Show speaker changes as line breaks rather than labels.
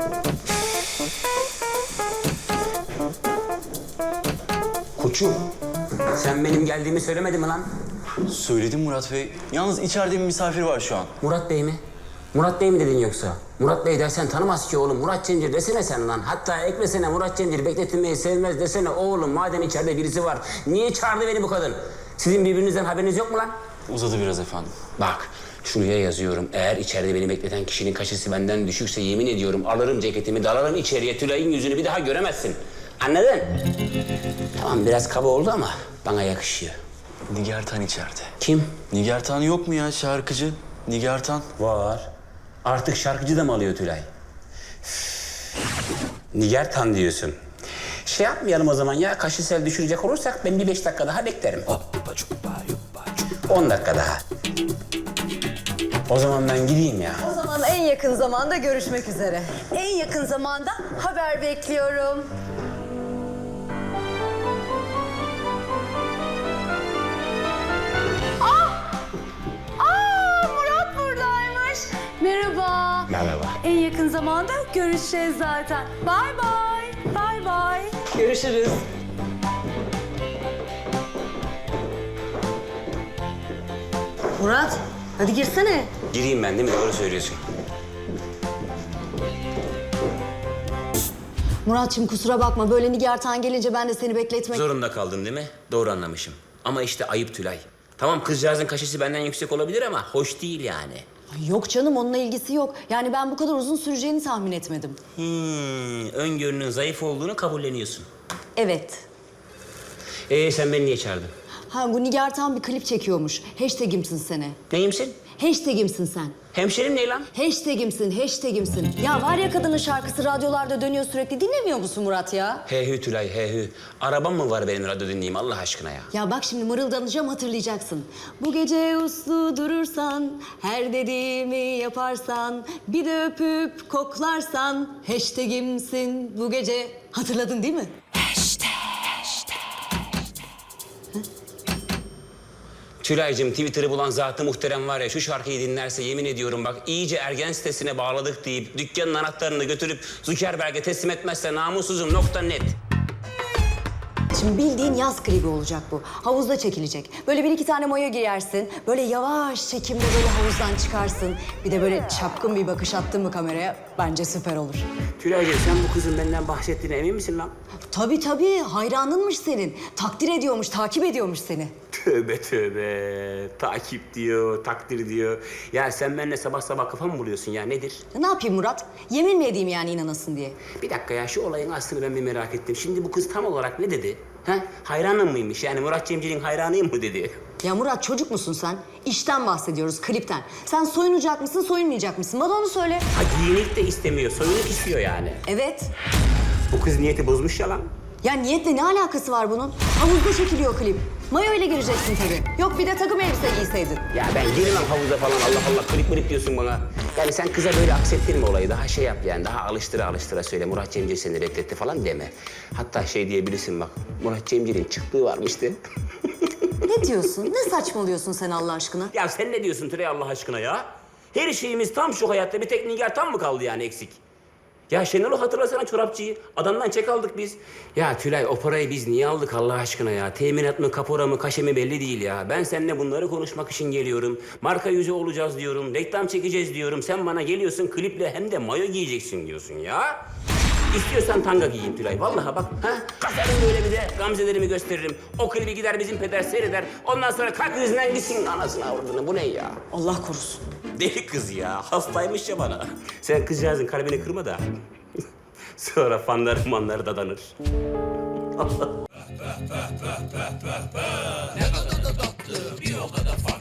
Koçum, sen benim geldiğimi söylemedin mi lan?
Söyledim Murat Bey. Yalnız içeride bir misafir var şu an.
Murat Bey mi? Murat Bey mi dedin yoksa? Murat Bey dersen tanımaz ki oğlum. Murat Cemcir desene sen lan. Hatta eklesene Murat Cemcir bekletilmeyi sevmez desene oğlum. Madem içeride birisi var. Niye çağırdı beni bu kadın? Sizin birbirinizden haberiniz yok mu lan?
Uzadı biraz efendim.
Bak şuraya yazıyorum. Eğer içeride beni bekleten kişinin kaşesi benden düşükse yemin ediyorum alırım ceketimi dalarım içeriye. Tülay'ın yüzünü bir daha göremezsin. Anladın? Tamam biraz kaba oldu ama bana yakışıyor.
Nigar Tan içeride.
Kim?
Nigar Tan yok mu ya şarkıcı? Nigar Tan.
Var. Artık şarkıcı da mı alıyor Tülay? Nigar Tan diyorsun. Şey yapmayalım o zaman ya, kaşesel düşürecek olursak ben bir 5 dakika daha beklerim. 10 dakika daha. O zaman ben gideyim ya.
O zaman en yakın zamanda görüşmek üzere. En yakın zamanda haber bekliyorum. Murat buradaymış. Merhaba.
Merhaba.
En yakın zamanda görüşeceğiz zaten. Bye bye. Bye bye. Görüşürüz. Murat, hadi girsene.
Gireyim ben değil mi? Doğru söylüyorsun.
Muratçım kusura bakma. Böyle Nigar Tan gelince ben de seni bekletmek...
Zorunda kaldın değil mi? Doğru anlamışım. Ama işte ayıp Tülay. Tamam kızcağızın kaşesi benden yüksek olabilir ama hoş değil yani.
Yok canım, onunla ilgisi yok. Yani ben bu kadar uzun süreceğini tahmin etmedim.
Öngörünün zayıf olduğunu kabulleniyorsun.
Evet.
Sen beni niye çağırdın?
Ha, bu Nigar Tan bir klip çekiyormuş. Hashtag'imsin seni.
Neyimsin?
Hashtag'imsin sen.
Hemşerim ne lan?
Hashtag'imsin, hashtag'imsin. Ya var ya kadının şarkısı radyolarda dönüyor sürekli. Dinlemiyor musun Murat ya?
Hehü Tülay hehü. Arabam mı var benim radyo dinleyeyim Allah aşkına ya?
Ya bak şimdi mırıldanacağım, hatırlayacaksın. Bu gece uslu durursan, her dediğimi yaparsan, bir de öpüp koklarsan, hashtag'imsin bu gece. Hatırladın değil mi?
Tülay'cığım Twitter'ı bulan zatı muhterem var ya şu şarkıyı dinlerse yemin ediyorum bak iyice ergen sitesine bağladık deyip dükkanın anahtarını götürüp Zuckerberg'e teslim etmezse namussuzum.net.
Şimdi bildiğin yaz klibi olacak bu. Havuzda çekilecek. Böyle bir iki tane mayo giyersin. Böyle yavaş çekimde böyle havuzdan çıkarsın. Bir de böyle çapkın bir bakış attın mı kameraya? Bence süper olur.
Tülay'cığım sen bu kızın benden bahsettiğine emin misin lan?
Tabii tabii. Hayranınmış senin. Takdir ediyormuş, takip ediyormuş seni.
Tövbe tövbe. Takip diyor, takdir diyor. Ya sen benimle sabah sabah kafa mı buluyorsun ya nedir?
Ne yapayım Murat? Yemin mi edeyim yani inanasın diye?
Bir dakika ya şu olayın aslını ben bir merak ettim. Şimdi bu kız tam olarak ne dedi? Ha? Hayranım mıymış? Yani Murat Cemcir'in hayranıyım mı dedi?
Ya Murat çocuk musun sen? İşten bahsediyoruz, klipten. Sen soyunacak mısın, soyunmayacak mısın? Bana onu söyle.
Ha giyinik de istemiyor, soyunuk istiyor yani.
Evet.
Bu kız niyeti bozmuş ya lan.
Ya niyetle ne alakası var bunun? Havuzda çekiliyor klip. Mayo ile gireceksin tabii. Yok bir de takım elbise giyseydin.
Ya ben girmem havuza falan Allah Allah klip diyorsun bana. Yani sen kıza böyle aksettirme olayı. Daha şey yap yani daha alıştıra söyle. Murat Cemcir seni reddetti falan deme. Hatta şey diyebilirsin bak. Murat Cemcir'in çıktığı varmıştı.
Ne diyorsun? Ne saçmalıyorsun sen Allah aşkına?
Ya sen ne diyorsun Tülay Allah aşkına ya? Her şeyimiz tam şu hayatta bir tek Nigar tam mı kaldı yani eksik? Ya Şenol'u hatırlasana çorapçıyı. Adamdan çek aldık biz. Ya Tülay o parayı biz niye aldık Allah aşkına ya? Teminat mı, kapora mı, kaşe mi belli değil ya. Ben seninle bunları konuşmak için geliyorum. Marka yüzü olacağız diyorum. Reklam çekeceğiz diyorum. Sen bana geliyorsun kliple hem de mayo giyeceksin diyorsun ya. İstiyorsan tanga giyeyim Tülay. Vallahi bak. Ha? Kasarım böyle bir de gamzelerimi gösteririm. O klibi gider bizim peder seyreder. Ondan sonra kalk yüzünden gitsin anasını avradını. Bu ne ya?
Allah korusun.
Deli kız ya. Hastaymış ya bana. Sen kızcağızın kalbini kırma da. Sonra fanları manları dadanır.
Ne kadar da tatlı, bir o kadar